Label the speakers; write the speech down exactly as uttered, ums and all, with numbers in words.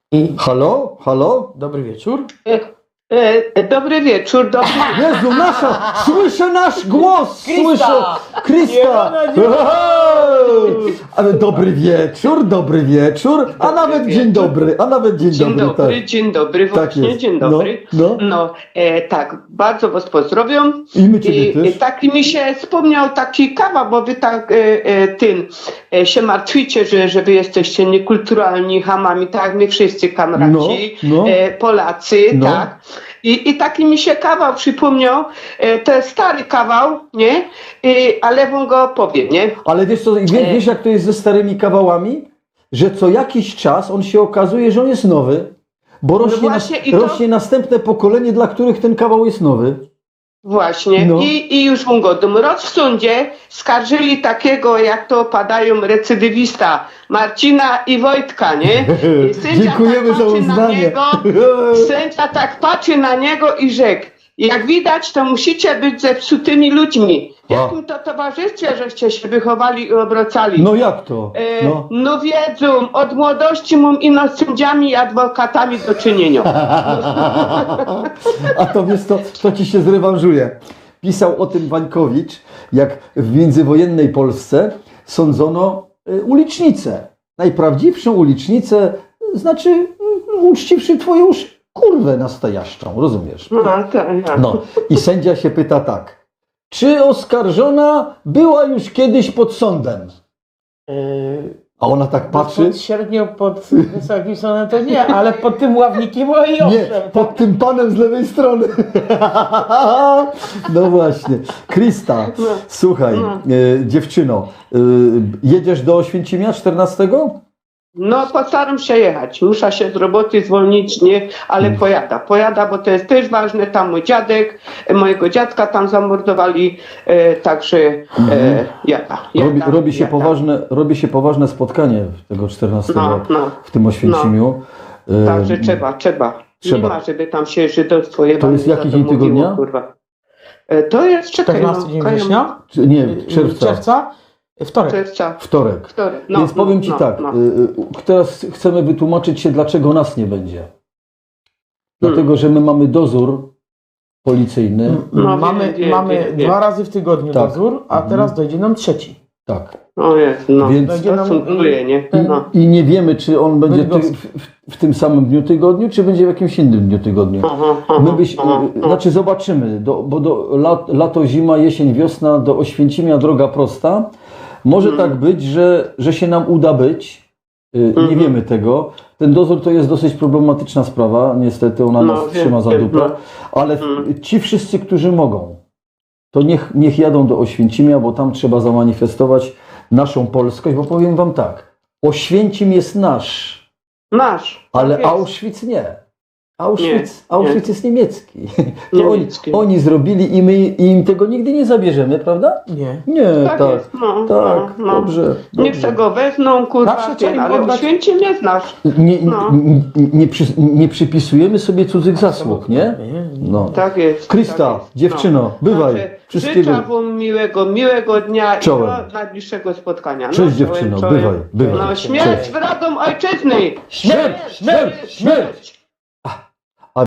Speaker 1: I
Speaker 2: Halo? Halo?
Speaker 1: dobry wieczór.
Speaker 3: E, e, dobry wieczór, dobry wieczór.
Speaker 2: Jezu, nasza! Słyszę nasz głos!
Speaker 1: Krista!
Speaker 2: Słyszę! Krista!
Speaker 1: Nie, no,
Speaker 2: Ale dobry wieczór, dobry wieczór, a nawet
Speaker 3: wieczór.
Speaker 2: dzień dobry, a nawet dzień,
Speaker 3: Dzień
Speaker 2: dobry,
Speaker 3: dobry,
Speaker 2: tak.
Speaker 3: dzień dobry,
Speaker 2: Tak
Speaker 3: właśnie,
Speaker 2: jest.
Speaker 3: dzień
Speaker 2: No,
Speaker 3: dobry.
Speaker 2: no.
Speaker 3: No, e, tak, bardzo was pozdrawiam.
Speaker 2: I my ciebie
Speaker 3: I,
Speaker 2: też.
Speaker 3: i taki mi się wspomniał taki kawał, bo wy tak e, e, tym e, się martwicie, że, że wy jesteście niekulturalni hamami, tak jak my wszyscy kamraci,
Speaker 2: No, no.
Speaker 3: E, Polacy,
Speaker 2: No.
Speaker 3: tak. I, I taki mi się kawał przypomniał, e, to jest stary kawał, nie? I, ale wam go powiem, nie?
Speaker 2: Ale wiesz co, wiesz, wiesz jak to jest ze starymi kawałami? Że co jakiś czas on się okazuje, że on jest nowy, bo rośnie,
Speaker 3: właśnie
Speaker 2: na,
Speaker 3: i to-
Speaker 2: rośnie następne pokolenie, dla których ten kawał jest nowy.
Speaker 3: Właśnie.
Speaker 2: No.
Speaker 3: I, I już mu go raz w sądzie skarżyli takiego, jak to padają, recydywista Marcina i Wojtka, nie? I sędzia
Speaker 2: Dziękujemy
Speaker 3: tak
Speaker 2: za
Speaker 3: patrzy na
Speaker 2: uznanie.
Speaker 3: niego, sędzia tak patrzy na niego i rzekł: jak widać, to musicie być zepsutymi ludźmi. W
Speaker 2: A.
Speaker 3: jakim to towarzystwie żeście się wychowali i obracali?
Speaker 2: No jak to?
Speaker 3: E,
Speaker 2: No.
Speaker 3: no wiedzą, od młodości mam ino z sędziami i adwokatami do czynienia.
Speaker 2: A to wiesz, to, to ci się zrewanżuje. Pisał o tym Wańkowicz, jak w międzywojennej Polsce sądzono y, ulicznicę. Najprawdziwszą ulicznicę, znaczy y, uczciwszy twoją sz- kurwę nastajaszczą, rozumiesz?
Speaker 3: No, tak, tak.
Speaker 2: No i sędzia się pyta tak. Czy oskarżona była już kiedyś pod sądem?
Speaker 1: Yy,
Speaker 2: A ona tak patrzy.
Speaker 1: Pod średnią, pod wysokim sądem to nie, ale pod tym ławnikiem o i
Speaker 2: Nie,
Speaker 1: owszem.
Speaker 2: pod tym panem z lewej strony. No właśnie. Krista,
Speaker 3: No.
Speaker 2: słuchaj,
Speaker 3: No.
Speaker 2: e, dziewczyno, e, jedziesz do Oświęcimia czternastego?
Speaker 3: No, postaram się jechać. Muszę się z roboty zwolnić, nie, ale
Speaker 2: Mm.
Speaker 3: pojada. Pojada, bo to jest też ważne. Tam mój dziadek, e, mojego dziadka tam zamordowali, e, także e, jada, jada.
Speaker 2: Robi, robi, się
Speaker 3: jada.
Speaker 2: poważne, robi się poważne spotkanie tego czternastego
Speaker 3: No, no.
Speaker 2: w tym Oświęcimiu. E,
Speaker 3: Także trzeba, trzeba.
Speaker 2: trzeba.
Speaker 3: Nie ma, żeby tam się żydostwo jebało.
Speaker 2: jest jaki dzień tygodnia?
Speaker 3: Kurwa. E, To jest, czekaj,
Speaker 1: czternasty dzień
Speaker 3: kają-
Speaker 1: września?
Speaker 2: czy- Nie,
Speaker 1: Yy,
Speaker 2: czerwca,
Speaker 1: Czerwca? Wtorek.
Speaker 3: Czerwca,
Speaker 2: wtorek.
Speaker 3: wtorek. No,
Speaker 2: Więc powiem
Speaker 3: no,
Speaker 2: ci
Speaker 3: no,
Speaker 2: tak,
Speaker 3: no.
Speaker 2: y, y, teraz chcemy wytłumaczyć się, dlaczego nas nie będzie. Dlatego, że my mamy dozór policyjny.
Speaker 3: No,
Speaker 1: mamy
Speaker 3: wiem, wiem,
Speaker 1: mamy
Speaker 3: wiem, wiem.
Speaker 1: dwa razy w tygodniu
Speaker 2: Tak.
Speaker 1: dozór, a teraz dojdzie nam trzeci.
Speaker 2: Tak.
Speaker 3: O jest, no.
Speaker 2: Więc-
Speaker 1: Będzie nam-
Speaker 3: To sumuje, nie?
Speaker 2: I,
Speaker 3: No.
Speaker 2: I nie wiemy, czy on będzie ty,
Speaker 1: Bydgoski.
Speaker 2: w, w, w tym samym dniu tygodniu, czy będzie w jakimś innym dniu tygodniu.
Speaker 3: Aha, aha,
Speaker 2: My byś,
Speaker 3: aha,
Speaker 2: y,
Speaker 3: aha.
Speaker 2: znaczy zobaczymy, do, bo do lat, lato, zima, jesień, wiosna, do Oświęcimia droga prosta. Może
Speaker 3: Mhm.
Speaker 2: tak być, że, że się nam uda być. Y, Nie
Speaker 3: Mhm.
Speaker 2: wiemy tego. Ten dozór to jest dosyć problematyczna sprawa. Niestety ona
Speaker 3: No,
Speaker 2: nas
Speaker 3: wiem,
Speaker 2: trzyma za
Speaker 3: wiem,
Speaker 2: dupę.
Speaker 3: no.
Speaker 2: Ale
Speaker 3: Mhm.
Speaker 2: ci wszyscy, którzy mogą, to niech, niech jadą do Oświęcimia, bo tam trzeba zamanifestować naszą polskość, bo powiem wam tak, Oświęcim jest nasz,
Speaker 3: Nasz.
Speaker 2: ale
Speaker 3: tak jest.
Speaker 2: Auschwitz nie. Auschwitz,
Speaker 3: Nie,
Speaker 2: Auschwitz jest niemiecki. To
Speaker 3: Niemiecki.
Speaker 2: Oni, oni zrobili i my im tego nigdy nie zabierzemy, prawda?
Speaker 1: Nie.
Speaker 2: Nie,
Speaker 3: Tak
Speaker 2: tak,
Speaker 3: jest, no,
Speaker 2: tak,
Speaker 3: no, no.
Speaker 2: dobrze.
Speaker 3: Niech
Speaker 2: dobrze.
Speaker 3: se go wezmą, kurwa,
Speaker 1: Zawsze trzeba
Speaker 3: ten,
Speaker 1: im
Speaker 3: ale
Speaker 1: oddać-
Speaker 3: Oświęcim nie znasz.
Speaker 2: Nie,
Speaker 3: No.
Speaker 2: nie, nie, przy, nie przypisujemy sobie cudzych zasług, nie?
Speaker 1: Nie.
Speaker 2: No.
Speaker 3: Tak jest.
Speaker 2: Krista,
Speaker 3: tak jest.
Speaker 2: dziewczyno,
Speaker 3: No.
Speaker 2: bywaj.
Speaker 3: Także
Speaker 2: Wszystkiego.
Speaker 3: Życzę wam miłego, miłego dnia
Speaker 2: Czołem.
Speaker 3: i do najbliższego spotkania. No,
Speaker 2: Cześć,
Speaker 3: czołem,
Speaker 2: dziewczyno,
Speaker 3: czołem.
Speaker 2: bywaj, bywaj.
Speaker 3: No, śmierć wrogom ojczyzny!
Speaker 2: Śmierć, śmierć, śmierć!